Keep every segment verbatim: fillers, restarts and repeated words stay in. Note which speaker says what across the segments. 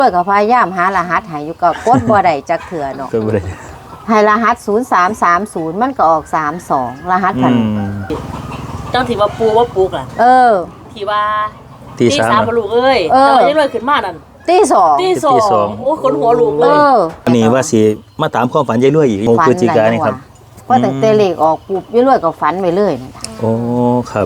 Speaker 1: เปิดกับพยายามหารหัสหายอยู่กับกดบ่ได้จักเถื่อเนาะให้รหัสศูนย์สามสามศูนย์มันก็ออกสามสองรหัสพัน
Speaker 2: เจ้าที่ว่าปูว่าปูกล่ะ
Speaker 1: เออ
Speaker 2: ที่ว่าตีสามลูกเอ้ยแต่ว่ายังเลยขึ้นมานั่น
Speaker 1: ตีสอง
Speaker 2: ตีสองโอ้คนหัวลูกเลย
Speaker 3: อันนี้ว่าสิมาตามความฝันยายรวยอีกพฤศจิกายนนี่ครับ
Speaker 1: เพราะแต่เตเลกออกปุ๊บยายรวยก็ฝันไปเลย
Speaker 3: โอ้ครับ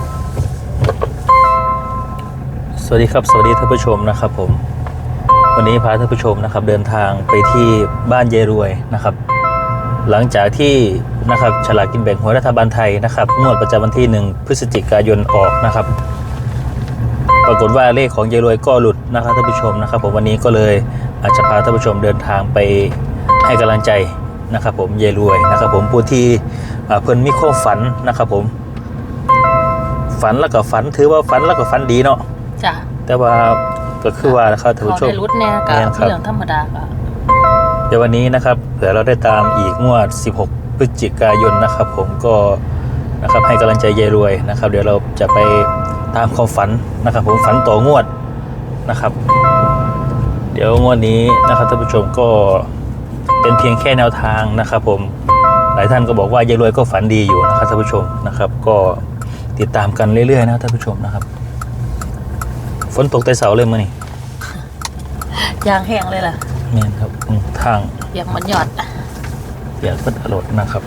Speaker 3: สวัสดีครับสวัสดีท่านผู้ชมนะครับผมวันนี้พาท่านผู้ชมนะครับเดินทางไปที่บ้านยายรวยนะครับหลังจากที่นะครับฉลากกินแบ่งหวยรัฐบาลไทยนะครับงวดประจำวันที่หนึ่งพฤศจิกายนออกนะครับปรากฏว่าเลขของยายรวยก็หลุดนะครับท่านผู้ชมนะครับผมวันนี้ก็เลยอาจจะพาท่านผู้ชมเดินทางไปให้กำลังใจนะครับผมยายรวยนะครับผมผู้ที่เพิ่นมีความฝันนะครับผมฝันแล้วก็ฝันถือว่าฝันแล้วก็ฝันดีเนาะ
Speaker 2: จ้ะ
Speaker 3: แต่ว่าก็คือว่านะครับท่านผู้ชม
Speaker 2: รุดแน่กับเรื่องธรรมดาค่ะ
Speaker 3: เดี๋ยววันนี้นะครับเผื่อเราได้ตามอีกงวดสิบหกพฤศจิกายนนะครับผมก็นะครับให้กำลังใจยายรวยนะครับเดี๋ยวเราจะไปตามความฝันนะครับผมฝันต่องวดนะครับเดี๋ยวงวดนี้นะครับท่านผู้ชมก็เป็นเพียงแค่แนวทางนะครับผมหลายท่านก็บอกว่ายายรวยก็ฝันดีอยู่นะครับท่านผู้ชมนะครับก็ติดตามกันเรื่อยๆนะท่านผู้ชมนะครับฝนตกแต่เสาเลยมั้ยนี่
Speaker 2: ยางแห้งเลยล่ะ
Speaker 3: เนี่ยครับทาง
Speaker 2: เปียกมันหยอด
Speaker 3: เปียกมันอร่อยนะครับ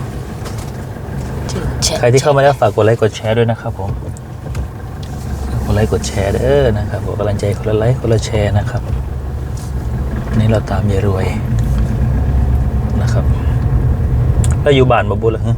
Speaker 3: ใครที่เข้ามาแล้วฝากกดไลค์กดแชร์ด้วยนะครับผมกดไลค์กดแชร์เด้อนะครับกดกำลังใจคนละไลค์คนละแชร์นะครับนี่เราตามยายรวยนะครับแล้วอยู่บ้านบ่บุญหรอฮะ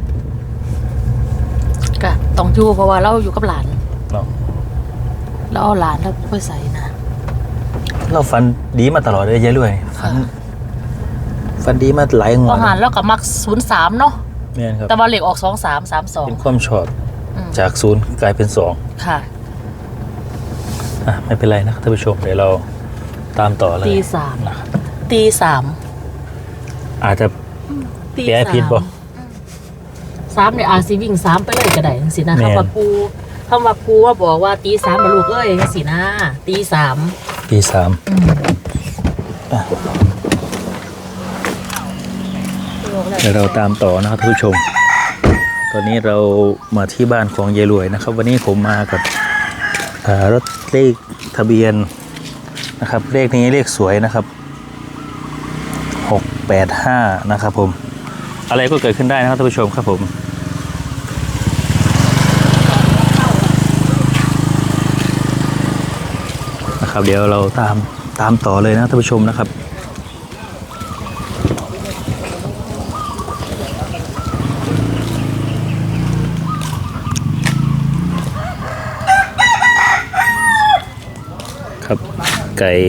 Speaker 2: ก็ต้องอยู่เพราะว่าเราอยู่กับหลาน
Speaker 3: เนาะ
Speaker 2: เราเอาหลานเราไปใส่นะ
Speaker 3: เราฝันดีมาตลอดเลยยายรวยฝันฝันดีมาหลายงวด
Speaker 2: อาหารแล้วก็มักศูนย์สามเนาะ
Speaker 3: เนี่ยครับ
Speaker 2: แต่ว่าเลขออกสองสามสามสอง
Speaker 3: เป็นความชอบจากศูนย์กลายเป็นสอง
Speaker 2: ค่ะ
Speaker 3: อ่ะไม่เป็นไรนะครับท่านผู้ชมเดี๋ยวเราตามต่อเลย
Speaker 2: ตีสามนะครับตีสาม
Speaker 3: อาจจะแก้ผิดบ่
Speaker 2: สามเนี่ยอาจสิวิ่งสามไปเลยก็ได้สินะครับว่าปูคำว่าปูว่าบอกว่าตีสามมาลูกเอ้ยสินะตีสาม
Speaker 3: ตีสามเดี๋ยวเราตามต่อนะครับท่านผู้ชมตอนนี้เรามาที่บ้านของยายรวยนะครับวันนี้ผมมากับรถเลขทะเบียนนะครับเลขนี้เลขสวยนะครับหกแปดห้านะครับผมอะไรก็เกิดขึ้นได้นะครับท่านผู้ชมครับผมนะครับเดี๋ยวเราตามตามต่อเลยนะท่านผู้ชมนะครับครับไก่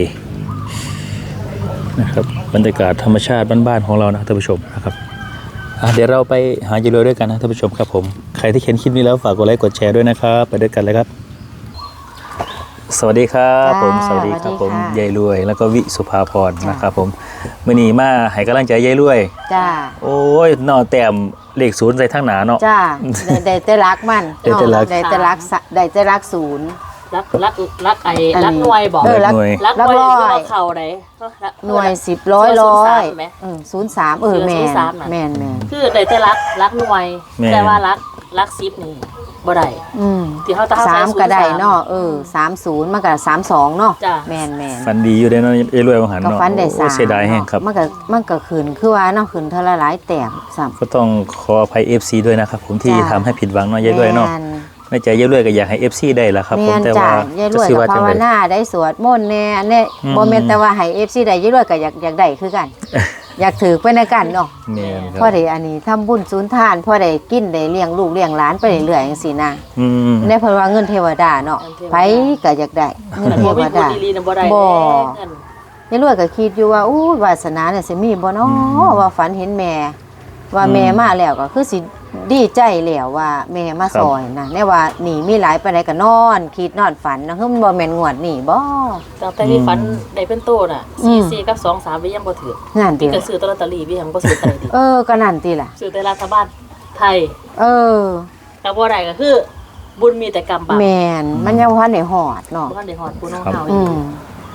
Speaker 3: นะครับบรรยากาศธรรมชาติบ้านๆของเรานะท่านผู้ชมนะครับเดี๋ยวเราไปหายายรวยด้วยกันนะท่านผู้ชมครับผมใครที่เห็นคลิปนี้แล้วฝากกดไลค์กดแชร์ด้วยนะครับไปด้วยกันเลยครับสวัสดีครับผมสวัสดีครับผมยายรวยแล้วก็วิสุภาพรนะครับผมมื้อนี้มาให้กำลังใจยายรวย
Speaker 1: จ้า
Speaker 3: โอ้ยนอแต้มเลขศูนย์ใส่ทั้งหนาเนาะ
Speaker 1: จ้าได้แต่รักมัน
Speaker 3: ได้แต่รัก
Speaker 1: ได้แต่รักได้แต่รักศูนย์
Speaker 2: รักรักรักไอ้รักหน่วยบอก
Speaker 3: รักหน่วย
Speaker 2: รักหน่วยเข่าไหน
Speaker 1: หน่วยสิบร้อยร้อยศูนย์สามเออแม่แม่แม่
Speaker 2: คือได้แต่รักรักหน่วยแต่ว่ารักรักซิปนี่บ่ได้ที่เขาตา
Speaker 1: สามก็ได้เนาะเออสามศูนย์มันก็สามสองเนาะแม่แม่
Speaker 3: ฟันดีอยู่ได้เนาะยายรวยบางหันเนาะ
Speaker 1: ฟันได้สาม
Speaker 3: เสียดายแห้งครับ
Speaker 1: มันก็มันก็ขืนคือว่าเนาะขืนเท่าหลายแต้มซ้
Speaker 3: ำก็ต้องขออภัย เอฟ ซี ด้วยนะครับผมที่ทำให้ผิดหวังเนาะยายรวยเนาะในใจยายรวยก็อยากให้ เอฟ ซี ได้ละครับผมแต่ว่าย
Speaker 1: ายรวยก็ภาวนาได้สวดมนต์แน่เนี่ยบ่แม่นแต่ว่าให้ เอฟ ซี ได้ยายรวยก็อยากอยากได้คือกันอยากถือไปในกันเนาะพอได้อันนี้ทำบุญศูนย์ทานพอได้กินได้เลี้ยงลูกเลี้ยงหลานไปเรื่อยๆจังซี่นะในเพราะว่าเงินเทวดาเนาะไผก็อยากได้เงินเทวดาบ่ยายรวยก็คิดอยู่ว่าอู้วาสนาเนี่ยสิมีบ่เนาะว่าฝันเห็นแม่ว่าแม่มาแล้วก็คือสิดีใจแล้วว่าแม่มาซอยนะแน่ว่านี่มีหลายไปไหนก็นอนคิดนอนฝันนะคือมันบ่แม่นงวดนี่บ่
Speaker 2: แต่ที่ฝันได้เป็นโตน่ะสี่สี่กับสองสามวิยังบ่ถือ
Speaker 1: นั่นติ
Speaker 2: ก็ซื้อลอตเตอรี่วิยังบ่ซื้อไทยดิ
Speaker 1: เออก็นั่นติล่ะ
Speaker 2: ซื้อแต่รัฐบาลไทย
Speaker 1: เออ
Speaker 2: แต่บ่ได้ก็คือบุญมีแต่กรรมบาป
Speaker 1: แม่นมันยังบ่ทันได้ฮอดเนาะ
Speaker 2: บ่ทันได้ฮอดผู้น้องเฮาอีก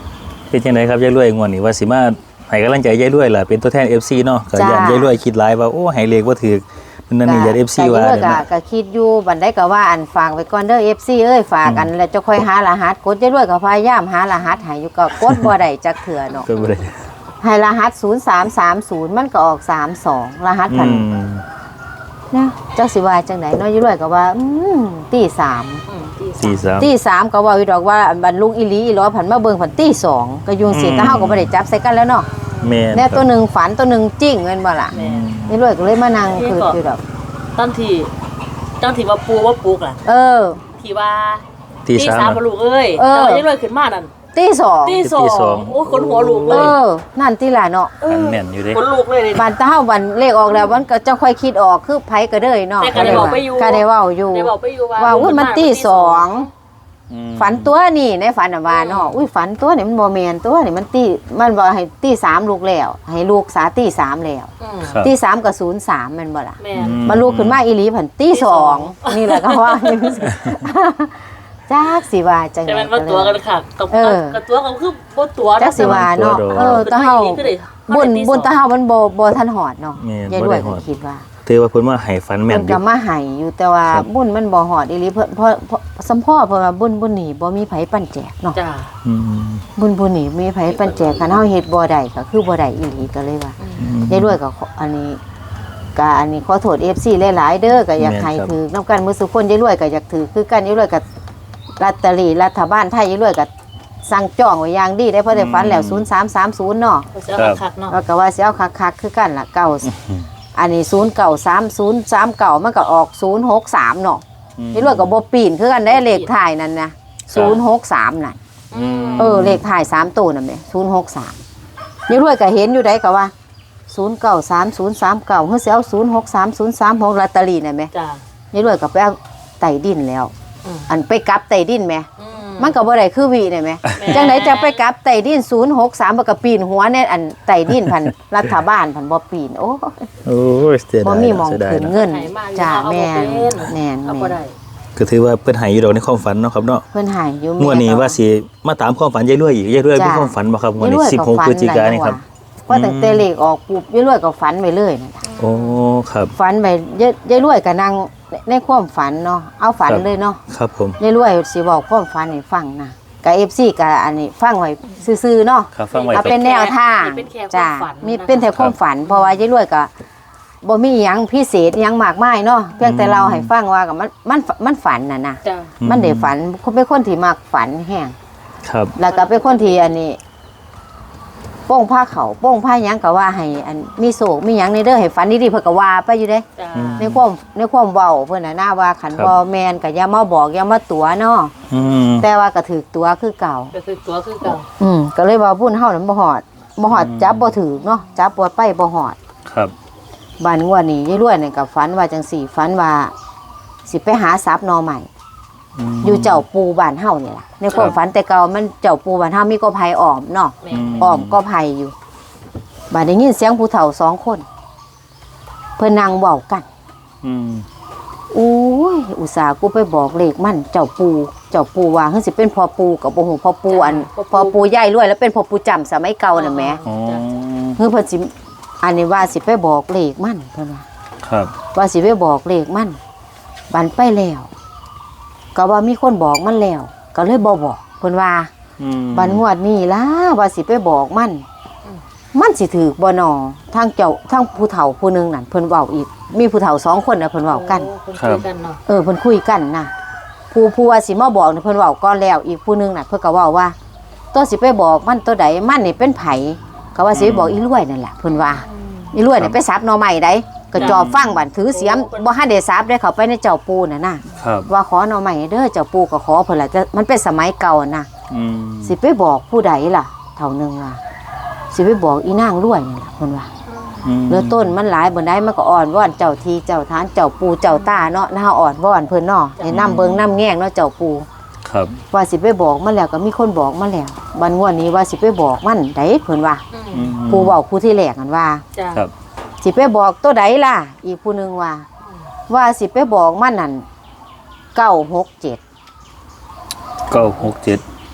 Speaker 3: เป็นจังไดครับยายรวยงวดนี้ว่าสิมาให้กำลังใจยายรวยล่ะเป็นตัวแทน เอฟ ซี เนาะก็ย่านยายรวยคิดหลายว่าโอ้ให้เลขบ่ถูกนั่นนี่ย่าน เอฟ ซี ว่า
Speaker 1: ก็
Speaker 3: เด้อ
Speaker 1: ก็คิดอยู่บันไดก็ว่าอันฝากไว้ก่อนเด้อ เอฟ ซี เอ้ยฝากกันแล้วจะค่อยหารหัสกดยายรวยก็พยายามหารหัสให้อยู่ก็กดบ่ได้จักเถื่อเนาะ
Speaker 3: ก็บ่ได้
Speaker 1: ให้รหัสศูนย์สามสามศูนย์มันก็ออกสามสองรหัส
Speaker 3: อื
Speaker 1: พัน
Speaker 3: ม
Speaker 1: นะจักสิว่าจังไดเนาะยายรวยก็ว่าอืมตีสาม
Speaker 2: อืมที่
Speaker 3: สี่สาม
Speaker 1: ตีสามก็เว่าอยู่ดอกว่าบรรลุอีหลีอีหลอผันมาเบิ่งผันตีสองก็ยุงสิ
Speaker 3: อืม
Speaker 1: แต่เฮาก็บ่ได้จับใส่กันแล้วเนาะ
Speaker 3: แม่น
Speaker 1: แน่
Speaker 3: ครับ
Speaker 1: ตัวหนึงฝันตัวหนึงจริงแม่นบ่ล่ะ
Speaker 2: แม่
Speaker 1: ยายรวยก็เลยมานั่งคืออยู่ดอก
Speaker 2: ตอนที่ตอนที่ว่าปูว่าปลูกล่ะ
Speaker 1: เออ
Speaker 2: ที่ว่า
Speaker 3: ตีสาม
Speaker 2: สามบ่ลูกเอ้ย
Speaker 1: เออ
Speaker 2: แต่ว่ายังเลยขึ้นมานั่น
Speaker 1: ตีสอง
Speaker 2: ตีสอ
Speaker 3: ตีสอง
Speaker 2: งโอ้ยขนหัวลูกเล
Speaker 1: เอย อนั่นติล่ะเนาะ
Speaker 2: เอ
Speaker 3: อัน
Speaker 2: อ
Speaker 3: แม่นอยู่เด้
Speaker 2: ขนลูกเลยเลย
Speaker 1: บันตาเฮาบันเลขออกแล้วมันก็จะค่อยคิดออกคือไผก็เด้ยเนาะ
Speaker 2: แต่ก็ได้บอกไปอยู่
Speaker 1: ก็ได้เว้าอยู่
Speaker 2: ได้บอกไปอยู่ว่า
Speaker 1: ว่าอุ้ยมันตีสอง
Speaker 3: อืม
Speaker 1: ฝันตัวนี่ในฝันน่ะว่าเนาะอุ้ยฝันตัวนี่มันบ่แม่นตัวนี่มันตีมันบ่ให้ตีสามลูกแล้ว ให้ลูกสาตีสามแล้ว
Speaker 2: อืม
Speaker 3: ครับ
Speaker 1: ตีสามกับศูนย์สามแม่นบ่ล่ะ
Speaker 2: แม่
Speaker 3: อืม
Speaker 1: มาลูกขึ้นมาอีหลีผันตีสองนี่แหละก็ว่า จักสิว่าจัง
Speaker 2: แต่
Speaker 1: ได๋
Speaker 2: มันว่าตัวกันค่ะกับ
Speaker 1: เออ
Speaker 2: กับตัวก็คือบ่ตัว
Speaker 1: จักสิว่าเนาะเออตาเฮาบุญบุญตาเฮามันบ่บ่ทันหอดเนาะ
Speaker 3: แม่น
Speaker 1: ยาย
Speaker 3: บ่
Speaker 1: รว
Speaker 3: ได้
Speaker 1: ย
Speaker 3: ฮ
Speaker 1: ก็
Speaker 3: อด
Speaker 1: คิดว่า
Speaker 3: ถือว่าเพิ่นว่าให้ฝันแม่
Speaker 1: เพิ่
Speaker 3: น
Speaker 1: น
Speaker 3: อยู่
Speaker 1: ก็มาให้อยู่แต่ว่า
Speaker 3: ครับ
Speaker 1: บุญมันบ่หอดอีหลีเพิ่นเพราะเพราะสำพ่อเพิ่นว่าบุญบุญนี่บ่มีไผปันแจกเนาะ
Speaker 2: จ้า
Speaker 3: อืม
Speaker 1: บุญบุญนี่มีไผปันแจกคันเฮาเฮ็ดบ่ได้ก็คือบ่ได้อีหลีก็เลยว่า
Speaker 3: อืม
Speaker 1: ยายรวยก็ขออันนี้ก็อันนี้ขอโทษ เอฟ ซี หลายๆเด้อก็อยาก
Speaker 3: แม่น
Speaker 1: ให้
Speaker 3: ครับ
Speaker 1: ถือนํกันมื้อสุคนยายรวยก็อยากถือคือกันยายรวยก็ลอตเตอรี่รัฐบาลไทยยายรวยก็สั่งจองไว้อย่างดีได้เพราะได้ฝันแล้วศูนย์สามสามศูนย์เนาะ
Speaker 2: ก็จะเอาคักเนาะ
Speaker 1: แล้วก็ว่าสิเอาคักๆคือกันล่ะเก้าอันนี้ศูนย์เก้าสามศูนย์สามเก้ามันก็ออกศูนย์หกสามเนาะ
Speaker 3: อืม
Speaker 1: ยายรวยก็บ่ปีนคือกันได้เลขท้ายนั่นนะศูนย์หกสามนั่น
Speaker 3: อืม
Speaker 1: เออเลขท้ายสามตัวนั่นแหละศูนย์หกสามยายรวยก็เห็นอยู่ได้ก็ว่าศูนย์เก้าสามศูนย์สามเก้าเฮ้ยสิเอาศูนย์หกสามศูนย์สามหกลอตเตอรี่นั่นไหม
Speaker 2: จ้าย
Speaker 1: ายรวยก็ไปเอาไต่ดินแล้ว
Speaker 2: อืม
Speaker 1: อันไปกลับไต่ดินไหม
Speaker 2: อื
Speaker 1: มันก็บ่ได้คือวีได้ไหม
Speaker 2: แม่
Speaker 1: จังไหนจะไปกลับไต่ดินศูนย์หกสามบ่ก็ปีนหัวในอันไต่ดินพัน รัฐบาลพันบ่ปีนโอ้
Speaker 3: โอ้ยเสีย
Speaker 1: บ่
Speaker 3: ดาย
Speaker 1: มีหมอง
Speaker 3: เสียดาย
Speaker 1: ขึ้น
Speaker 3: เนาะ
Speaker 1: เงิน
Speaker 2: ให้มาอยู่
Speaker 1: จ้า
Speaker 2: เอาบ่
Speaker 1: แม่น
Speaker 2: เป็น
Speaker 1: แม่น
Speaker 2: เอาบ่
Speaker 1: แม่น
Speaker 2: ได้
Speaker 3: ก็ถือว่าเพิ่นให้อยู่ดอกในความฝันเนาะครับเนาะ
Speaker 1: เพิ่นใหายอยู่
Speaker 3: งวดนี้ว่าสิมาตามความฝันยายรวยอีกยายรวยมีความฝันบ่ครับงวดนี้สิบหกพฤศจิกายนนี่ครับ
Speaker 1: เพราะตั้งแต่เลขออกปุ๊บยายรวยก็ฝันไปเลยนั่นล่ะ
Speaker 3: โอ้ครับ
Speaker 1: ฝันไปยายยายรวยก็นั่งในความฝันเนาะเอาฝัน
Speaker 3: ครับ
Speaker 1: เลยเนาะ
Speaker 3: ครับผม
Speaker 1: ยายรวยสิบอกความฝันให้ฟังนะกับ เอฟ ซี กับอันนี้ฟังไว้ซื่อๆเนาะ
Speaker 3: ครับฟังไว้
Speaker 1: เอา
Speaker 3: ครั
Speaker 1: เป็
Speaker 3: บ
Speaker 1: นแนวทาง
Speaker 2: เป็นแค่ความ
Speaker 1: จ้า
Speaker 2: ฝัน
Speaker 1: มี
Speaker 2: นะคะ
Speaker 1: เป็นแต่ความฝัน เพราะว่ายายรวยก็บ่มีหยังพิเศษหยังมากมายเนาะเพียงแต่
Speaker 3: อืม
Speaker 1: เราให้ฟังว่ากับมันมันมันฝันน่ะนะ
Speaker 2: จ้า
Speaker 1: มันได้ฝันเป็นคนที่มักฝันแห้ง
Speaker 3: ครับ
Speaker 1: แล้วก็เป็นคนที่อันนี้โป้งผ้าเขาโป้งผ้าหยังก็ว่าให้อันมีโศกมีหยังในเด้อให้ฝันดีๆเพิ่นก็ว่าไปอยู่เด้
Speaker 2: จ้า
Speaker 3: อืม
Speaker 1: ในความในความเว้าเพิ่นน่ะน่าว่าขัน
Speaker 3: ครับ
Speaker 1: บ่แม่นก็อย่ามาบอกอย่ามาตัวเนาะ
Speaker 3: อืม
Speaker 1: แต่ว่าก็ถือตัวคือเก่า
Speaker 2: ก็คือตัวคือเก่า
Speaker 1: อืมก็เลยว่าบุญเฮานั้นบ่ฮอดบ่ฮอด
Speaker 3: อืม
Speaker 1: จับบ่ถือเนาะจับบ่ไปบ่ฮอด
Speaker 3: ครับ
Speaker 1: บ้านงวดนี้ยายรวยนี่ก็ฝันว่าจังสี่ฝันว่าสิไปหาทรัพย์หนอใหม่
Speaker 3: ม
Speaker 1: อยู่เจ้าปูบ้านเฮานี่ล่ะในความฝันแต่เก่ามันเจ้าปูบ้านเฮามีก็ไผอ้อมเนาะ
Speaker 2: แม่
Speaker 3: อืม
Speaker 1: อ้อมก็ไผอยู่บัดได้ยินเสียงผู้เฒ่าสองคน เพิ่นนั่งเว้ากัน
Speaker 3: อืม
Speaker 1: อุ้ยอุตส่าห์กูไปบอกเลขมันเจ้าปูเจ้าปูว่าเฮ้ยสิเป็นพ่อปูกับบ่ฮู้พ่อปูอันพ่อปูยายรวยแล้วเป็นพ่อปูจำสมัยเก่าน่ะแหม
Speaker 3: อ๋อ
Speaker 1: เฮ้ยเพิ่นสิอันนี้ว่าสิไปบอกเลขมันเพิ่นว่า
Speaker 3: ครับ
Speaker 1: ว่าสิไปบอกเลขมันบันไปแล้วก็ว่ามีคนบอกมันแล้ว ก็เลยบ่บอกเพิ่นว่า
Speaker 3: อืม
Speaker 1: บันงวดนี้ล่ะว่าสิไปบอกมัน มันสิถือบ่นอทางเจ้าทางผู้เฒ่าผู้หนึงนั่นเพิ่นเว้าอีก มีผู้เฒ่าสองคนน่ะเพิ่นเว้ากัน
Speaker 2: โอ้คนคุยกันเนาะ
Speaker 1: เออเพิ่นคุยกันนะผู้ผู้ว่าสิมาบอกนี่เพิ่นเว้าก่อนแล้ว อีกผู้หนึงน่ะเพิ่นก็เว้าว่า ตัวสิไปบอกมันตัวใดมันนี่เป็นไผก็ว่าสิไปบอกอีรวยนั่นแหละเพิ่นว่า อีรวยนี่ไปสับหน่อไม้ได้ก็จอบฟังบัดถือเสียมบ่ทันได้สับได้เข้าไปในเจ้าปูน่ะนะครับ ว่าขอหน่อไม้เด้อเจ้าปูก็ขอเพิ่นล่ะจะมันเป็นสมัยเก่าน่ะ
Speaker 3: อืม
Speaker 1: สิไปบอกผู้ใดล่ะเท่านึงล่ะสิไปบอกอีนางรวยนี่ล่ะเพิ่นว่า
Speaker 3: อืม
Speaker 1: เรือต้นมันหลายบ่ได้มันก็อ่อนว่อนเจ้าทีเจ้าทานเจ้าปูเจ้าตาเนาะน่าอ่อนว่อนเพิ่นเนาะให้นำเบิงนำแง่งเนาะเจ้าปู
Speaker 3: ครับ
Speaker 1: ว่าสิไปบอกมันแล้วก็มีคนบอกมาแล้วบัดงวดนี้ว่าสิไปบอกมันได้เพิ่นว่า
Speaker 2: อืม
Speaker 1: ผู้เว้าผู้ที่แรกนั่นว่า
Speaker 2: จ้า
Speaker 3: ครับ
Speaker 1: สิไปบอกตัวใดล่ะ อีกผู้หนึงว่า ว่าสิไปบอกมันนั่นเก้าหกเจ็ด
Speaker 3: เก้าหกเจ็ด
Speaker 1: อ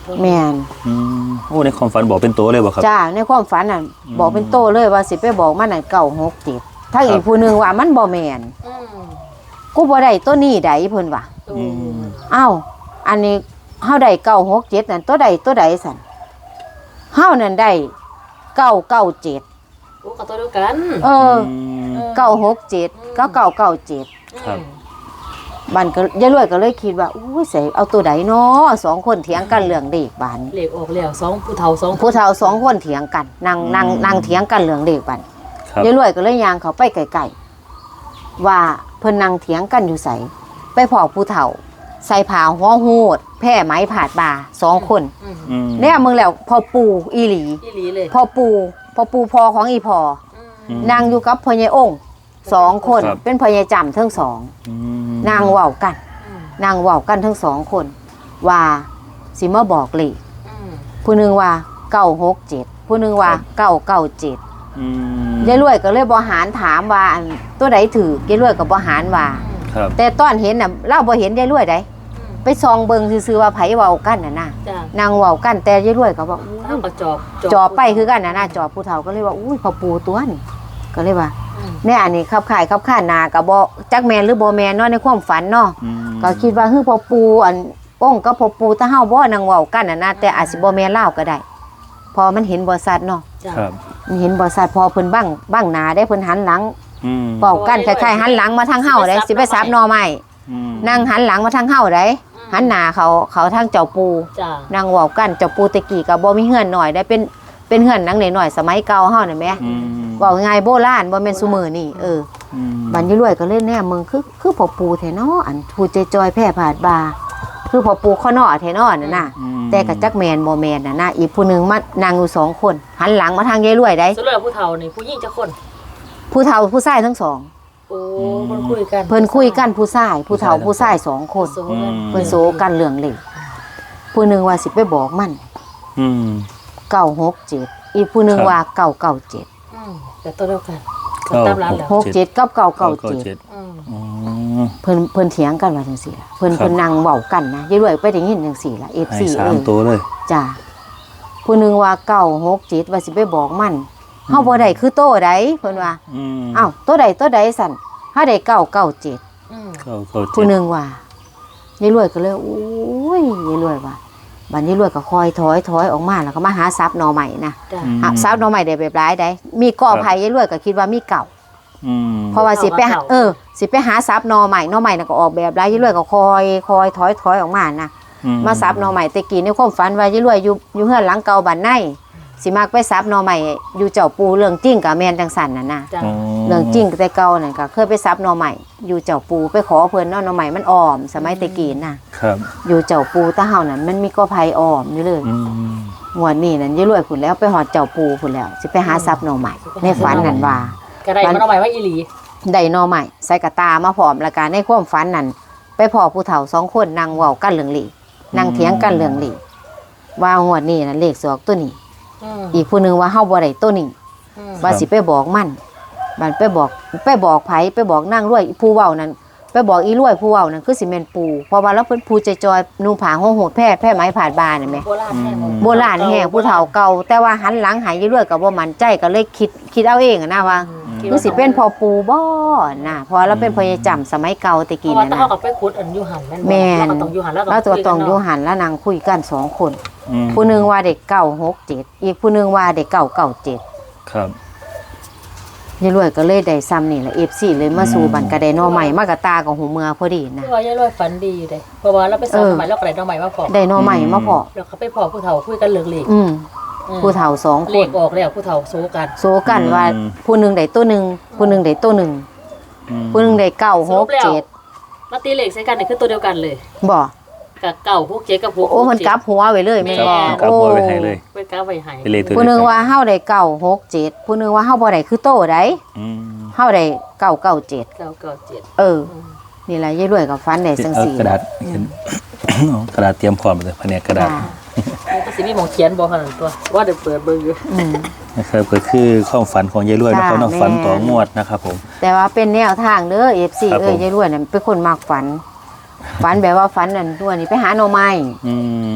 Speaker 1: แม่น
Speaker 3: อืมโอ้ในความฝันบอกเป็นตัวเลยบ่ครับ
Speaker 1: จ้าในความฝันน่ะบอกเป็นโตเลยว่าสิไปบอกมันนั่นเก้าหกเจ็ดถ้า
Speaker 3: ครับ
Speaker 1: อีกผู้หนึงว่ามันบ่แม่น
Speaker 2: อืม
Speaker 1: กูบ่ได้ตัวนี้ใดเพิ่นว่า
Speaker 2: อืม
Speaker 1: อ้าวอันนี้เฮาได้เก้าหกเจ็ดนั่นตัวใดตัวใดสั่นเฮานั่นได้เก้าเก้าเจ็ด
Speaker 2: โอ้กับตัวเดียวกัน
Speaker 1: เออ
Speaker 3: ม
Speaker 1: เก้าหกเจ็ดเก้าเก้าเก้าเจ็ด
Speaker 3: ครับ
Speaker 1: บันก็ยายรวยก็เลยคิดว่าอุ้ยใส่เอาตัวใดเนาะสองคนเถียงกันเรื่องเด็กบาน
Speaker 2: เหล็กออกแล้วสองผู้เฒ่าสอง
Speaker 1: ผู้เฒ่าสองคนเถียงกันนั่งนั่งนั่งเถียงกันเรื่องเด็กบาน
Speaker 3: ครับ
Speaker 1: ยายรวยก็เลยยางเขาไปไกลๆว่าเพิ่นนั่งเถียงกันอยู่ใส่ไปพอผู้เฒ่า ใส่ผ้าหัวหูดแพร่ไหมผาดบ่าสองคน
Speaker 2: อืม
Speaker 3: อืม
Speaker 1: เนี่ยมึงแล้วพอปูอีหลี
Speaker 2: อีหลีเลย
Speaker 1: พอปูพอปูพอของอีพอ
Speaker 2: อืม
Speaker 1: นางอยู่กับพ่อใหญ่องค์สองคน
Speaker 3: ครับ
Speaker 1: เป็นพ่อใหญ่จำทั้งสอง
Speaker 3: อืม
Speaker 1: นางเว้ากัน
Speaker 2: อืม
Speaker 1: นางเว้ากันทั้งสองคน ว่าสิมาบอกเลข
Speaker 2: อืม
Speaker 1: ผู้หนึงว่าเก้าหกเจ็ดผู้หนึงว่าเก้าเก้าเจ็ด
Speaker 3: อืม
Speaker 1: ยายรวยก็เลยบหารถามว่าอันตัวใดถือยายรวยกับบหารว่า
Speaker 3: ครับ
Speaker 1: แต่ตอนเห็นน่ะเล่าบ่เห็นยายรวยได้ไปซองเบิงซื่อๆว่าไผเว้ากันน่ะนะ
Speaker 2: จ้ะ
Speaker 1: นางเว้ากันแต่ยายรวยก็บอกอู้
Speaker 2: เอากระจอบ
Speaker 1: จอบไปคือกันน่ะนะจอบผู้เฒ่าก็เลยว่าอุ้ยพอปูตัวนี่ก็เลยว่า
Speaker 2: อืม
Speaker 1: แน่อันนี้ขับข่ายขับข่านนาก็บ่จักแม่นหรือบ่แม่นเนาะในความฝันเนาะ
Speaker 3: อืม
Speaker 1: ก็คิดว่าฮือพอปูอันองค์กับพอปูถ้าเฮาบ่นางเว้ากันน่ะนะแต่อาจสิบ่แม่นเล่าก็ได้พอมันเห็นบ่ชัดเนาะ
Speaker 2: จ้ะ
Speaker 3: ครับ
Speaker 1: มันเห็นบ่ชัดพอเพิ่นบังบังหน้าได้เพิ่นหันหลัง
Speaker 3: อืม
Speaker 1: เว้ากันคล้ายๆหันหลังมาทางเฮาได้สิไปซับหน่อไม้
Speaker 3: อืม
Speaker 1: นั่งหันหลังมาทางเฮาได้หันหน้าเขาเขาทางเจ้าปู
Speaker 2: จ้ะ
Speaker 1: นางเว้ากันเจ้าปูตะกี้ก็บ่มีเฮือนหน่อยได้เป็นเป็นเฮือนหลังน้อยๆสมัยเก่าเฮานี่แหม
Speaker 3: อืม
Speaker 1: เว้าง่ายโบราณบ่แม่นซุมื้อนี่เออ
Speaker 3: อืม
Speaker 1: บัดนี้รวยก็เลยแน่มึงคือคือพ่อปูแท้เนาะอันผู้ใจจอยแพร่ผาดบาคือพ่อปูข้อน้อแท้เนาะนั่นน่ะ
Speaker 3: อืม
Speaker 1: แต่ก็จักแม่นบ่แม่นน่ะนะอีกผู้หนึงมานั่งอยู่สองคนหันหลังมาทางยายรวยได้
Speaker 2: ส่วนเรื่องผู้เฒ่านี่ผู้หญิงจะคน
Speaker 1: ผู้เฒ่าผู้ชายทั้งสอง
Speaker 2: โอ้เพิ่นคุยกัน
Speaker 1: เพิ่นคุยกันผู้ชายผู้เฒ่าผู้ชายสองคน
Speaker 2: โซกัน
Speaker 1: เพิ่นโซกันเรื่องเล็กผู้หนึงว่าสิไปบอกมัน
Speaker 3: อืม
Speaker 1: เก้าหกเจ็ดอีกผู้หนึง
Speaker 3: ครับ
Speaker 1: ว่าเก้าเก้าเจ็ด
Speaker 2: อืมแต่ตัวเดียวกัน
Speaker 3: เก้า
Speaker 2: ตามร้านแล้ว
Speaker 1: หกเจ็ดกับเก้าเก้า
Speaker 3: เก้า
Speaker 1: เจ็ด
Speaker 3: เจ็ด
Speaker 2: อืม
Speaker 3: อืม
Speaker 1: เพิ่นเพิ่นเถียงกันว่าจังซี่ล่ะเพิ่น
Speaker 3: ครับ
Speaker 1: เพิ่นนั่งเว้ากันนะยายรวยไปได้ยินจังซี่ล่ะ เอฟ
Speaker 3: ให้
Speaker 1: ซี
Speaker 3: สา
Speaker 1: เอ้
Speaker 3: ม
Speaker 1: ย
Speaker 3: ตัวเลย
Speaker 1: จ้าผู้หนึงว่าเก้าหกเจ็ดว่าสิไปบอกมันเฮาบ่ได้คือโตใดเพิ่นว่า
Speaker 3: อืม
Speaker 1: อ้าวโตใดโตใดสั่นเฮาได้เก้าเก้าเจ็ด
Speaker 2: อืม
Speaker 3: เก้าเก้าเจ็
Speaker 1: ผู้
Speaker 3: ด
Speaker 1: หนึงว่ายายรวยก็เลยโอ้ยยายรวยว่าบัดนี้รวยก็คอยถอยถอยออกมาแล้วก็มาหาทรัพย์หน่อใหม่นะ
Speaker 2: จ้ะ
Speaker 3: อืม
Speaker 1: หาทรัพย์หน่อใหม่ได้แบบหลายได้มีก่อไผ่ยายรวยก็คิดว่ามีเก่า
Speaker 3: อืม
Speaker 1: เพราะว่าสิไปหาเออสิไปหาทรัพย์หน่อใหม่หน่อใหม่น่ะก็ออกแบบหลายยายรวยก็คอยคอยถอยถอยออกมานะ
Speaker 3: อื
Speaker 1: มาซับหน่อใหม่แต่กี้ในความฝันว่ายายรวยอยู่อยู่เฮือนหลังเก่าบ้านในสิมักไปซับหน่อใหม่อยู่เจ้าปูเรื่องจริงกับแม่นจังสันน่ะนะ
Speaker 2: จ้ะ
Speaker 3: อ๋อ
Speaker 1: เรื่องจริงแต่เก่านั่นก็เคยไปซับหน่อใหม่อยู่เจ้าปูไปขอเพิ่นเนาะหน่อใหม่มันอ่อม สมัยแต่กี้น่ะ
Speaker 3: ครับ
Speaker 1: อยู่เจ้าปูตะเฮานั่นมันมีก็ไผอ่อมอยู่เลย
Speaker 3: อืม
Speaker 1: งวดนี้นั่นยายรวยพุ่นแล้วไปหอดเจ้าปูพุ่นแล้วสิไปหาซับหน่อใหม่ในฝันนั่นว่า
Speaker 2: กระไรมันเอาไว้ว่าอีหลี
Speaker 1: ได้หน่อใหม่ใส่กระตามาพร้อมแล้วก็ในความฝันนั่นไปพอผู้เฒ่าสองคนนั่งเว้ากันเรื่องหลีนั่งเถียงกันเรื่องหลีว่างวดนี้น่ะเลขสอกตัวนี้
Speaker 2: อืม
Speaker 1: อีกผู้หนึงว่าเฮาบ่ได้ตัวนี้
Speaker 2: อืม
Speaker 1: ว่าสิไปบอกมันมันไปบอกไปบอกไผไปบอกนางรวยผู้เว้านั่นไปบอกอีรวยผู้เว้านั่นคือสิแม่นปูเพราะว่าแล้วเพิ่นผู้ใจจอยๆนุ่งผ้าห่มโหดแพร่แพร่ไหมผาดบานนี่แหม
Speaker 2: โบราณแห้ง
Speaker 1: โบราณแฮงผู้เฒ่าเก่าแต่ว่าหันหลังหายอีรวยก็บ่มั่นใจก็เลยคิดคิดเอาเองอะนะว่า
Speaker 2: คิด
Speaker 1: คือสิเป็นพ่อปูบ่น่ะเพราะเราเป็นพยาจำสมัยเก่าแตะ
Speaker 2: เพ
Speaker 1: กี้
Speaker 2: ราะว่า
Speaker 1: นั่น
Speaker 2: ถ้า
Speaker 1: น่ะ
Speaker 2: เขากับไปขุดอันอยูหันแม่นบ่
Speaker 1: แม่น
Speaker 2: เราก็ต้องอยูหันแล้ว
Speaker 1: เราตัวตองอยู่
Speaker 2: คุกั
Speaker 1: หันแล้วนางคุยกันสองคน
Speaker 3: อืม
Speaker 1: ผู้หนึงว่าเด็กเก้าหกเจ็ดอีกผู้หนึงว่าเด็กเก้าเก้าเจ็ด
Speaker 3: ครับ
Speaker 1: ยายรวยก็เลยได้ซ้ำนี่แหละ เอฟ ซี เลยมาสู่บันกระไดหนอใหม่มากระตากับหูเมือพอดีนะ
Speaker 2: เนาะว่ายายรวยฝันดีอยู่เด้เพราะว่าเราไปสอน
Speaker 1: เออ
Speaker 2: สมัยเราก็ได้น้องใหม่มาพอ
Speaker 1: ได้หนอใหม่มาพอ
Speaker 2: แล้วเขาไปพอผู้เฒ่าคุยกันเรื่องเลข
Speaker 1: อืม
Speaker 2: อืม
Speaker 1: ผู้เฒ่าสองค
Speaker 2: เล
Speaker 1: น
Speaker 2: ขออกแล้วผู้เฒ่าโซกัน
Speaker 1: โซกันว่าผู้หนึงได้ตัวหนึ่งผู้หนึงได้ตัวหนึ่ง
Speaker 3: อืม
Speaker 1: ผู้หนึงได้เก้าหกเจ็ด
Speaker 2: มาตีเลขใส่กันนี่คือตัวเดียวกันเลย
Speaker 1: บ่
Speaker 2: กับเก่าพวกเจ๊กับพวก
Speaker 1: โอ้มันกลับหัวไว้เลยแม่นบ่
Speaker 3: กลับหัวไปให้เลย
Speaker 2: ไปกลับไว้ให้
Speaker 3: ไปเลยตัว
Speaker 1: ผู้หนึง
Speaker 3: เดีย
Speaker 1: ว่าเฮาได้เก้าหกเจ็ดผู้หนึงว่าเฮาบ่ได้คือโตได้
Speaker 3: อืม
Speaker 1: เฮาได้เก้าเก้าเจ็ด
Speaker 2: เก่าเก่าเจ็ด
Speaker 1: เออ นี่แหละยายรวยกับฟันได้จัง
Speaker 3: เอา
Speaker 1: ซี่
Speaker 3: กระดาษเขียน เอากระดาษเตรียมพร้อมเลยแผนกกระดาษ
Speaker 1: จ้า
Speaker 2: มันก็สิมีหมองเขียนบอกขนาดตัวว่าเดี๋ยวเปิดเบิ่งอยู่
Speaker 1: อืม
Speaker 3: นะครับก็คือความฝันของยายรวย
Speaker 1: จ้า
Speaker 3: นะครับเนาะ
Speaker 1: แม่
Speaker 3: ฝันต่องวดนะครับผม
Speaker 1: แต่ว่าเป็นแนวทางเด้อ เอฟ ซี
Speaker 3: ครับ
Speaker 1: เอ้ย
Speaker 3: ผม
Speaker 1: ยายรวยน่ะเป็นคนมักฝัน ฝันแบบว่าฝันนั่นตัวนี้ไปหาหน่อไม้
Speaker 3: อืม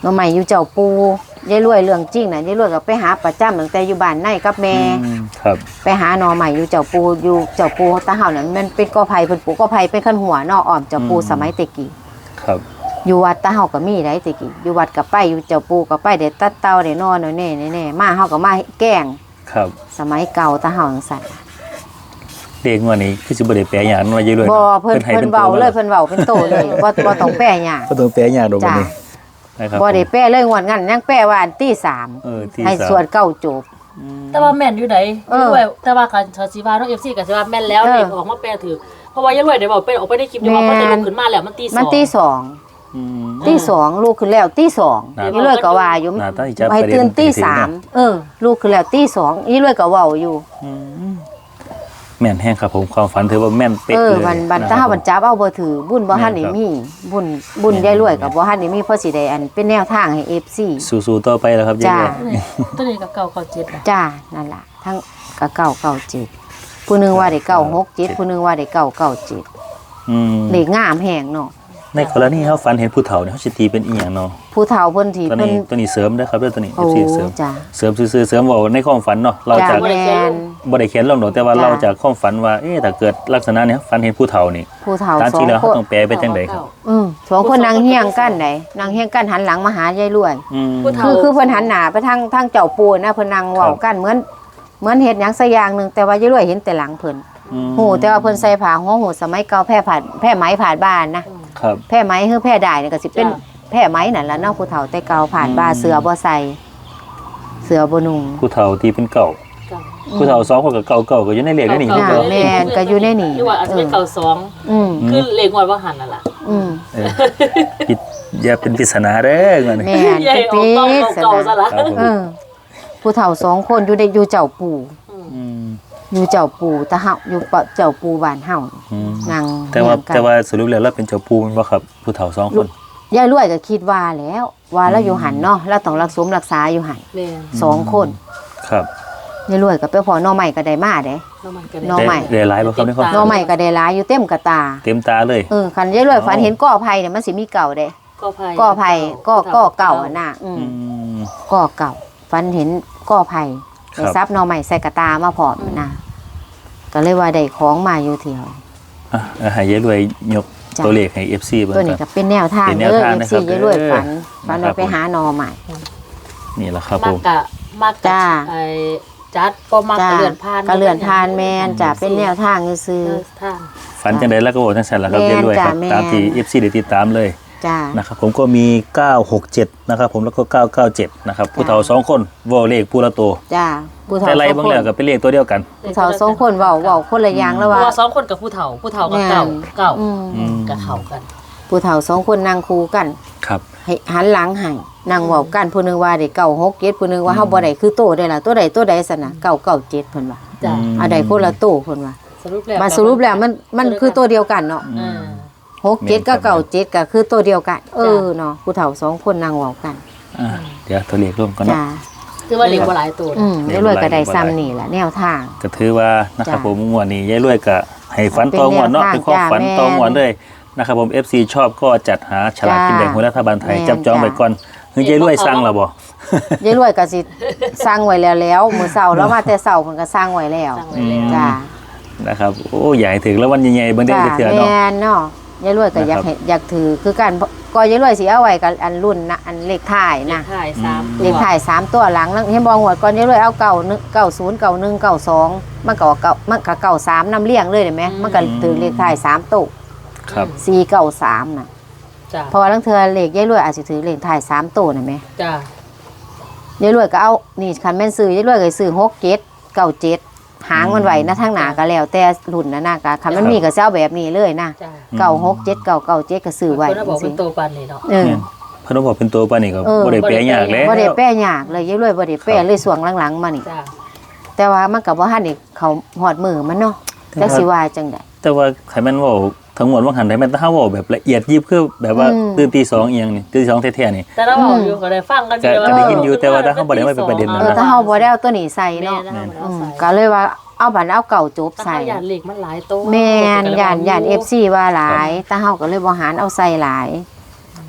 Speaker 1: หน่อใหม่อยู่เจ้าปูยายรวยเรื่องจริงน่ะยายรวยก็ไปหาประจำตั้งแต่อยู่บ้านในกับแม่
Speaker 3: อืมครับ
Speaker 1: ไปหาหน่อใหม่อยู่เจ้าปูอยู่เจ้าปูตาเฮานั่นมันเป็นกอไผ่เพิ่นปลูกกอไผ่เป็นขั้นหัวเนออ้อมเจ้าปูสมัยแตะกี้
Speaker 3: ครับ
Speaker 1: อยู่วัดตาเฮาก็มีได้แตะกี้อยู่วัดก็ไปอยู่เจ้าปูก็ไปได้ตัดเตาได้นอนแน่แน่ๆมาเฮาก็มาแกล้ง
Speaker 3: ครับ
Speaker 1: สมัยเก่าตาเฮาจังซั่น
Speaker 3: เด็กวันนี้คือสิบ่ได้แปลหยังว่ายายรวย
Speaker 1: บ่เพิ่น
Speaker 3: ให้
Speaker 1: เพิ่นเว้าเลยเพิ่นเว้าเป็นโตเลยบ่บ่ต้องแปลหยัง
Speaker 3: บ่ต้องแปลหยังดอกบัด
Speaker 1: จ้า
Speaker 3: นี้นะครับ
Speaker 1: บ่ได้แปลเลยงวดงั้นยังแปลว่าอันที่สาม
Speaker 3: เออที่
Speaker 1: ให้
Speaker 3: สาม
Speaker 1: สวดเก้าจบ
Speaker 2: แต่ว่าแม่นอยู่ไหน
Speaker 1: เออ
Speaker 2: ด้วยแต่ว่าการชาซีวาน้องเอฟซีกับซีวาแม่นแล้ว
Speaker 1: เออ
Speaker 2: เด็กออกมาแปลถือเพราะว่ายายรวยเดี๋ยวบอกเป็นออกไปได้คลิปเดียวว่า
Speaker 1: แม่
Speaker 2: มัน
Speaker 1: น
Speaker 2: จะลุกขึ้นมาแล้วมันตีสอง
Speaker 1: มันที่สอง
Speaker 3: อืม
Speaker 1: ที่สองลูกขึ้นแล้วที่สอง
Speaker 3: น่า
Speaker 1: อีเลื่อยก็ว่าอยู่
Speaker 3: น่าตั้งใจ
Speaker 1: ให้ตื่น
Speaker 3: ประเด็น
Speaker 1: ที่
Speaker 3: ที่
Speaker 1: สาม
Speaker 3: ถึงนะ
Speaker 1: เออ ลูกขึ้นแล้วที่สองอีเลื่อยก็เว้าอยู่
Speaker 3: อืมแม่นแห้งครับผมความฝันถือว่าแม่นเป๊ะ
Speaker 1: เออ
Speaker 3: เลย
Speaker 1: บันบัน
Speaker 3: นะค
Speaker 1: ถ้า
Speaker 3: รับ
Speaker 1: บันจับเอาบ่ถือบุญบ่ทันได้
Speaker 3: แม่นครับ
Speaker 1: มีบุญบุญ
Speaker 3: แม่น
Speaker 1: ยายรวยกับ
Speaker 3: แม่น
Speaker 1: บ่ทันได้มีเพราะสิได้อันเป็นแนวทางให้ เอฟ ซี
Speaker 3: สู้ๆต่อไปแล้วครับยาย
Speaker 1: จ้า
Speaker 3: รวย
Speaker 2: ตัวนี้กับเก่าเก่าเจ็ดอะ
Speaker 1: จ้านั่นล่ะทั้งกะเก้าเก้าเจ็ดผู้หนึงว่าได้เก้าหกเจ็ดผู้หนึงว่าได้เก้าเก้าเจ็ด
Speaker 3: อืม
Speaker 1: เลขงามแฮงเนาะ
Speaker 3: ในกรณีเขาฝันเห็นผู้เฒ่าเนี่ยเขาสิตีเป็นอีหยังเนาะ
Speaker 1: ผู้เฒ่าเพิ่นที่
Speaker 3: ตัว
Speaker 1: เพิ่น
Speaker 3: นี้ตัวนี้เสริมเด้อครับเด้อตัวนี้
Speaker 1: โอ้
Speaker 3: เอฟซีเสริม
Speaker 1: จ้า
Speaker 3: เสริมซื่อๆเสริมเว้าในความฝันเนาะเรา
Speaker 1: จ้า
Speaker 3: จาก
Speaker 1: แม่น
Speaker 3: บ่ได้เขียนลงดอกแต่ว่า
Speaker 1: จ้ะ
Speaker 3: เราจากความฝันว่าเอ๊ะถ้าเกิดลักษณะเนี้ยฝันเห็นผู้เฒ่านี่
Speaker 1: ผู้เฒ่า
Speaker 3: ตาม
Speaker 1: สอ
Speaker 3: ที่
Speaker 1: ง
Speaker 3: แล้ว
Speaker 1: ค
Speaker 3: เขา
Speaker 1: น
Speaker 3: ต้องแปลไปจังไดครับ
Speaker 1: อืมสองคนนั่งเฮียงกันได้นั่งเฮียงกันหันหลังมาหายายรวย
Speaker 3: อืม
Speaker 2: ผู้เฒ่า
Speaker 1: คือคือเพิ่นหันหน้าไปทางทางเจ้าปูนะเพิ่นนั่งเว้ากันเหมือนเหมือนเฮ็ดหยังสักอย่างหนึงแต่ว่ายายรวยเห็นแต่หลังเพิ่น
Speaker 3: อืม
Speaker 1: หูแต่ว่าเพิ่นใส่ผ้าหัวหูสมัยเก่าแพร่ผ่านแพร่ไหมผ่านบ้านนะครับ แพร่ไหมคือแพร่ได้นี่ก็สิเป็น
Speaker 2: จ้ะ
Speaker 1: แพร่ไหมนั่นล่ะเนาะผู้เฒ่าแต่เก่าผ่านบ้าน
Speaker 3: อืม
Speaker 1: เสือบ่ใส่เสือบ่นุ่ง
Speaker 3: ผู้เฒ่าที่เป็นเก่า
Speaker 2: เก่า
Speaker 3: ผู้เฒ่าสองคนกับเก่าเก่าก็อยู่ในเลขได้นี่
Speaker 1: จ้ะ
Speaker 3: เก่า
Speaker 1: แม่นก็อยู่ในนี่
Speaker 2: หรือว่าอาจจะเป็นเก่าสอง
Speaker 1: อืม
Speaker 2: คือเลขงวดว่าหันนั่นแหละ
Speaker 1: อืม
Speaker 3: เออปิดอย่าเป็นปริศนาเด้อมัน
Speaker 1: แม่น
Speaker 2: ใหญ่
Speaker 1: ไป
Speaker 2: ออก
Speaker 1: ปิ
Speaker 2: เก่า
Speaker 1: ด
Speaker 2: เก่าซะละ
Speaker 3: ครับผม
Speaker 1: เออผู้เฒ่าสองคนอยู่ในอยู่เจ้าปู่
Speaker 3: อืม
Speaker 1: อยู่เจ้าปู่ตะเฮาอยู่เปาะเจ้าปู่บ้านเฮา
Speaker 3: อืม
Speaker 1: นั่ง
Speaker 3: แต่ว่า
Speaker 1: เฮียงกัน
Speaker 3: แต่ว่าสรุปแล้วเราเป็นเจ้าปูแมันบ่ครับ ผู้เฒ่าสองคน
Speaker 1: ยายรวยก็คิดว่าแล้ว ว่าเราอยู่หันเนาะเราต้องรักษารักษาอยู่หัน
Speaker 2: แม่
Speaker 1: สองคน
Speaker 3: ครับ
Speaker 1: ยายรวยก็ไปพอหน่อใหม่ก็ได้มาเด้
Speaker 2: น้ำมันกัน
Speaker 1: น้อง ใหม่
Speaker 3: ได้ได้หลายบ่ครับในความ
Speaker 1: หน่อใหม่ก็ได้หลายอยู่เต็มกระตา
Speaker 3: เต็มตาเลย
Speaker 1: เออคันยายรวยฝันเห็นก้อไผ่เนี่ยมันสิมีเก่าเด้
Speaker 2: ก็ไผ่
Speaker 1: ก้อไผ่ก้อก้อเก่าอะน่ะอืม
Speaker 3: อืม
Speaker 1: ก้อเก่าฝันเห็นก้อไผ่
Speaker 3: ครับ
Speaker 1: ได้ซับหน่อใหม่ใส่กระตามาพร้อมนะก็เลยว่าได้ของมาอยู่เที่ยว
Speaker 3: อ่ะเอาให้ยายรวยยก
Speaker 1: จ้ะ
Speaker 3: ตัวเลขให้ เอฟ ซี เบิ่ง
Speaker 1: ตัว
Speaker 3: ค
Speaker 1: นี้
Speaker 3: รับ
Speaker 1: ก็เป็นแนวทาง
Speaker 3: เป็นแนว
Speaker 1: เด้อ
Speaker 3: ทาง
Speaker 1: เอฟ
Speaker 3: นะครั
Speaker 1: ซี
Speaker 3: บ
Speaker 1: ยายรวยฝัน
Speaker 3: เออ
Speaker 1: ฝัน
Speaker 3: นะครับ
Speaker 1: ว่าไปหาหน่อใหม่
Speaker 3: นี่แหละครับ
Speaker 2: มา
Speaker 3: ผ
Speaker 2: ก
Speaker 3: ม
Speaker 2: กะมากกะ
Speaker 1: จ้า
Speaker 2: ไอ้จัดก็มาก
Speaker 1: จ้าก
Speaker 2: ะเลื่อนพาน
Speaker 1: ก็เลื่อนทานแมนจะเป็นแนวทางซื้อ
Speaker 2: เออทาง
Speaker 3: ฝันจังได๋แล้วก็บอกจังซั่นล่ะครับ
Speaker 1: แม่
Speaker 3: ยาย
Speaker 1: น
Speaker 3: รวยครับ
Speaker 1: จ้ะแม่น
Speaker 3: ตามที่ เอฟ ซี ได้ติดตามเลย
Speaker 1: ๆจ้า
Speaker 3: นะครับผมก็มี เก้าหกเจ็ด นะครับผมแล้วก็ เก้าเก้าเจ็ด นะครับผู้เฒ่าสองคนเว้าเลขผู้ละตัว
Speaker 1: จ้าผู้เฒ่า
Speaker 3: แต่ไร
Speaker 1: สอง
Speaker 3: บาง
Speaker 1: คน
Speaker 3: แล้วก็เป็นเลขตัวเดียวกัน
Speaker 1: ผู้เฒ่าสองคนเว้าเว้าคนละอย่างแล้ว
Speaker 2: เพ
Speaker 1: ว่า
Speaker 2: ราะว่าสองคนกับผู้เฒ่าผู้เฒ่ากับเก่า
Speaker 1: แม่น
Speaker 2: เก่า
Speaker 1: อืม
Speaker 3: อืม
Speaker 2: กับเขากัน
Speaker 1: ผู้เฒ่าสองคนนั่งคู่กัน
Speaker 3: ครับ
Speaker 1: ให้หันหลังให้นั่งเว้ากันผู้หนึงว่าได้เก้าหกเจ็ดผู้หนึงว่าเฮาบ่ได้คือโตได้ล่ะตัวใดตัวใดซั่นน่ะเก้าเก้าเจ็ดเพิ่นว่า
Speaker 2: จ้ะ
Speaker 3: อืม
Speaker 1: อันใดคนละโตเพิ่นว่า
Speaker 2: สรุปแล้ว
Speaker 1: มาสรุปแล้วมันมันคือตัวเดียวกันเนาะ
Speaker 2: อ่า
Speaker 1: หกเจ็ดกับเก้าเจ็ดก็คือตัวเดียวกัน เออเนาะผู้เฒ่าสองคนนั่งเว้ากัน
Speaker 3: อ่าเดี๋ยวตัวเลขร่วมกันเนาะ
Speaker 1: จ้า
Speaker 2: คือว่าเล็กกว่าหลายตัว
Speaker 1: อืมยายรวยก็ได้ซ้ำนี่ล่ะแนวทาง
Speaker 3: ก็ถือว่านะครับ
Speaker 1: จ้ะ
Speaker 3: ผมงวดนี้ยายรวยก็ให้ฝัน
Speaker 1: เป็น
Speaker 3: ต่องวดเนาะ
Speaker 1: แนวทาง
Speaker 3: เป็นความฝัน
Speaker 1: จ้ะแม่
Speaker 3: ต่องวดเลยนะครับผม เอฟ ซี ชอบก็จัดหาฉลากกินแบ่งรัฐบาลไทย
Speaker 1: แม่น
Speaker 3: จับจอง
Speaker 1: จ้ะ
Speaker 3: ไปก่อนคือยายรวยสร้างแล้วบ่
Speaker 1: ยายรวยก็สิสร้างไว้แล้วแล้วมื้อเช้าแล้วมาแต่เช้าเพิ่นก็สร้างไว้แล้ว
Speaker 2: สั่งไว้แล้ว
Speaker 1: จ้า
Speaker 3: นะครับโอ้ใหญ่ถึงแล้ววันใหญ่ๆเบิ่งได้
Speaker 1: จ้า
Speaker 3: เถื่อเนาะ
Speaker 1: แม่นเนาะยายรวยก็อยาก
Speaker 3: นะครับ
Speaker 1: ให้อยากถือคือกันก็ยายรวยสิเอาไว้กับอันรุ่นนะอันเลขท้าย
Speaker 2: เล
Speaker 1: นะ
Speaker 2: ขท้ายสามตัว
Speaker 1: เลขท้ายสามตัวหลังแล้วเห็นบ่งวดก่อนยายรวยเอาเก้าหนึ่งเก้าศูนย์เก้าหนึ่งเก้าสองมันก็เก้ามันก็เก้าสามนำเลี้ยงเลยเห็นไหมมันก็ถือเลขท้ายสามตัว
Speaker 3: ครับ
Speaker 1: สี่เก้าสามน่ะ
Speaker 2: จ้ะ
Speaker 1: เพราะว่าลังเทื่อเลขยายรวยอาจสิถือเลขท้ายสามตัวน่ะแหม
Speaker 2: จ้ะ
Speaker 1: ยายรวยก็เอานี่คันแม่นซื้อยายรวยก็ซื้อหกเจ็ดเก้าเจ็ดหางมันไว้นะทางหน้าก็แล้วแต่รุ่นนะนะก็คันมันมีก็สิเอาแบบนี้เลยนะ
Speaker 2: จ้ะ
Speaker 1: เก้าหกเจ็ดเก้าเก้าเจ็ดก็ซื้อไว้
Speaker 2: คนน่ะบอก
Speaker 1: จั
Speaker 2: เป็
Speaker 1: ง
Speaker 2: น
Speaker 1: ซี่
Speaker 2: โตปันนี่เนาะ
Speaker 1: เออ
Speaker 3: เนี่ยเพนบอกเป็นตัวปานนี่ก็
Speaker 1: เออ
Speaker 3: บ่ได้แปลยากแล้ว
Speaker 1: บ่ได้แป้ยากเลยยายรวยบ่ได้แป้เลยส่วงหลังๆมานี่
Speaker 2: จ้ะ
Speaker 1: แต่ว่ามันก็บ่ทันได้เขาฮอดมือมันเนาะจักสิว่าจังได๋
Speaker 3: แต่ว่าไขมันเว้าทั้งหมดว่าหันได้แม่นถ้าเว้าแบบละเอียดยิบคือแบบว่า
Speaker 1: อืม
Speaker 3: ตื่นตีสองอีหยังนี่ตื่นตีสองแท้ๆนี่
Speaker 2: แต่เราบอกอยู่ก็ได้ฟังกันอยู่
Speaker 3: ก็ได้ยินอยู่แต่ว่าถ้าเขาบ่ได้ว่าเป็นประเด็น
Speaker 1: เอ
Speaker 3: นะ
Speaker 1: อถ้าเฮาบ่ได้เอาตัวนี้ใส่
Speaker 2: แม่
Speaker 1: เนาะ
Speaker 2: นะมัน
Speaker 1: อื
Speaker 2: เอา
Speaker 1: ม
Speaker 2: ใส่
Speaker 1: ก็เลยว่าเอาบัดเอาเก่าจบ
Speaker 2: ใส่
Speaker 1: ใส่
Speaker 2: ยานเหล็กมันหลายโต
Speaker 1: แม่นย่านย่าน เอฟ ซี ว่าหลายแต่เฮาก็เลยบ่หารเอาใส่หลาย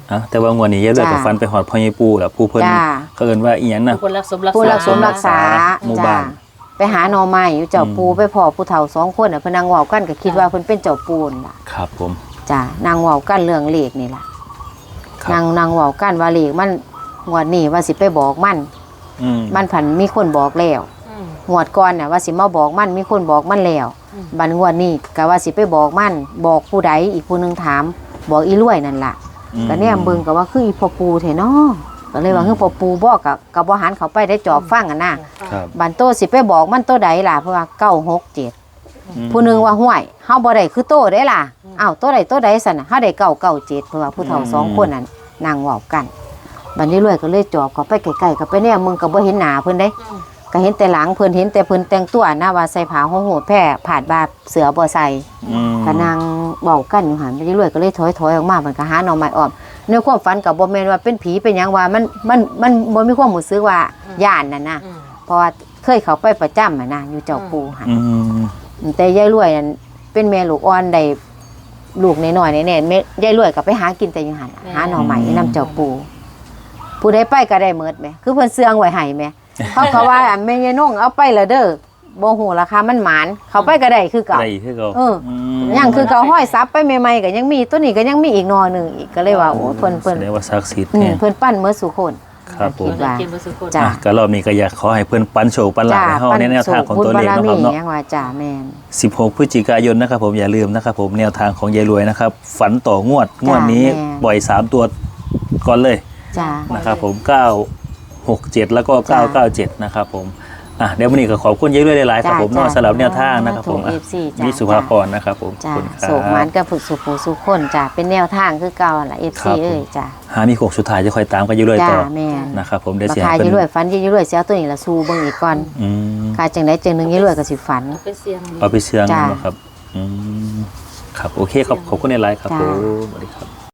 Speaker 3: อ่ะแต่ว่างวดนี้ยายรวยกับฟันไปหอดพ่อใหญ่ปู่แล้วผู้เพิ่น
Speaker 1: จ้า
Speaker 3: เขาเอิ้นว่าอีหยังน่ะ
Speaker 2: ผู้รักสมรักษา
Speaker 1: ผู้รักสมรักษา
Speaker 3: หมู่
Speaker 1: จ้า
Speaker 3: บ้าน
Speaker 1: ไปหาหน่อไม้อยู่เจ้าปูไปพ่อผู้เฒ่าสองคนน่ะเพิ่นนั่งเว้ากันก็คิดว่าเพิ่นเป็นเจ้าปูนล่ะ
Speaker 3: ครับผม
Speaker 1: จ้านางเว้ากันเรื่องเลขนี่ล่ะ
Speaker 3: ครับ
Speaker 1: นางนางเว้ากันว่าเลขมันงวดนี้ว่าสิไปบอกมัน
Speaker 3: อืม
Speaker 1: มันผันมีคนบอกแล้ว
Speaker 2: อืม
Speaker 1: งวดก่อนน่ะว่าสิมาบอกมันมีคนบอกมันแล้ว
Speaker 2: อืม
Speaker 1: บัดงวดนี้ก็ว่าสิไปบอกมันบอกผู้ใดอีกผู้หนึงถาม บอกอีรวยนั่นล่ะ
Speaker 3: อืม
Speaker 1: ก็แนมเบิ่งก็ว่าคืออีพ่อปูแท้เนาะก็เลยว่าคือพ่อปูบอกกับกับบ่หันเขาไปได้จอบฟังกันน่ะ
Speaker 3: ครับ
Speaker 1: บันโตสิไปบอกมันโตใดล่ะเพราะว่าเก้าหกเจ็ด
Speaker 3: อืม
Speaker 1: ผู้หนึงว่าห้วยเฮาบ่ได้คือโตได้ล่ะอ้าวโตใดโตใดสั่นน่ะเฮาได้เก้าเก้าเจ็ดเพราะว่าผู้เฒ่าสองคนนั้นนั่งเว้ากันบัดนี้รวยก็เลยจอบเขาไปใกล้ๆก็ไปแนมมึงก็บ่เห็นหน้าเพิ่นได้
Speaker 2: อืม
Speaker 1: ก็เห็นแต่หลังเพิ่นเห็นแต่เพิ่นแต่งตัวนะว่าใส่ผ้าห่มโหดแพร่ผาดบาเสือบ่ใส่
Speaker 3: อืม
Speaker 1: ก็นั่งเว้ากันอยู่หั่นไปเรื่อยๆก็เลยถอยๆออกมามันก็หาหน่อไม้อ้อมในความฝันก็บ่แม่นว่าเป็นผีเป็นหยังว่ามันมันมันบ่มีความรู้สึกว่าย่านนั่นนะ
Speaker 2: อืม
Speaker 1: เพราะว่าเคยเข้าไปประจำอะนะอยู่เจ้าปูหั่น
Speaker 3: อืม
Speaker 1: แต่ยายรวยนั่นเป็นแม่ลูกอ่อนได้ลูกน้อยๆแน่ๆแม่ยายรวยก็ไปหากินแต่อยู่หั่นน่ะหาหน่อไม้นำเจ้าปูผู้ใดไปก็ได้หมดแหมคือเพิ่นเสื่องไว้ให้แหม เขาก็ว่าอันแม่ยายน้องเอาไปละเด้อบ่ฮู้ราคามันหมานเขาไปก็ได้คือเก่า
Speaker 3: ได้คือเก่า
Speaker 1: เออ
Speaker 3: ม
Speaker 1: ยังคือเก่าห้อยซับไปใหม่ๆก็ยังมีตัวนี้ก็ยังมีอีกหนอหนึงอีกก็เลยว่าโอ้เพิ่นเพิ่น
Speaker 3: แสดงว่าศักดิ์สิทธิ์
Speaker 1: อืม
Speaker 3: เนี่ย
Speaker 1: เพิ่นปั้นเมื่อสุคน
Speaker 3: ครับผม
Speaker 1: คิดว่า
Speaker 2: เกมบุษคน
Speaker 1: จ้ะ
Speaker 3: อ่ะก็รอบนี้ก็อยากขอให้เพื่อนปันโชคปันหลา
Speaker 1: จ้า
Speaker 3: ให้เฮาในแนวทางของตัวเลข
Speaker 1: บุญบาร
Speaker 3: นะค
Speaker 1: มี
Speaker 3: รับเนาะ
Speaker 1: ยังว่าจ้าแม่น
Speaker 3: สิบหกพฤศจิกายนนะครับผมอย่าลืมนะครับผมแนวทางของยายรวยนะครับ ฝันต่องวดงวดนี้
Speaker 1: แม่
Speaker 3: ปล่อยสามตัวก่อนเลย
Speaker 1: จ้า
Speaker 3: นะครับผมเก้าหกเจ็ดแล้วก็เก้าเก้าเจ็ดนะครับผมอ่ะเดี๋ยววันนี้ก็ขอบคุณยายรวยหลายๆครับผมเนอกสำหรับแนวทางนะครับผมอ่ะ
Speaker 1: เอฟซีจ้า
Speaker 3: มีสุภาพรนะครับผมขอบ
Speaker 1: จ้า
Speaker 3: คุณครั
Speaker 1: โศกหมาน
Speaker 3: บ
Speaker 1: กับฝึกสุขสุขคนจ้าเป็นแนวทางคือเก่าล่ะ เอฟ
Speaker 3: ครั
Speaker 1: ซี
Speaker 3: บ
Speaker 1: เอ้ยจ้า
Speaker 3: หามีโขกสุดท้ายจะคอยตามกันยายรวย
Speaker 1: จ้า
Speaker 3: ต่อ
Speaker 1: แม่น
Speaker 3: นะครับผมเดี๋ยว
Speaker 1: รา
Speaker 3: เสีย
Speaker 1: คา
Speaker 3: ให้
Speaker 1: ยี่
Speaker 3: เพิ่น
Speaker 1: รวยฝันยี่รวยเสียตัวนี้ละสู้เบิ่งอีกก่อน
Speaker 3: อืม
Speaker 1: ค่าจังไดจังหนึงยี่รวยก็สิฝัน
Speaker 2: เป็นเสียง
Speaker 3: เอาไปเชื่อง
Speaker 1: จ้า
Speaker 3: นะครับอืมครับโอเคครับขอบคุณในไลน์ครับ
Speaker 1: จ้า
Speaker 3: ผมสวัสดีครับ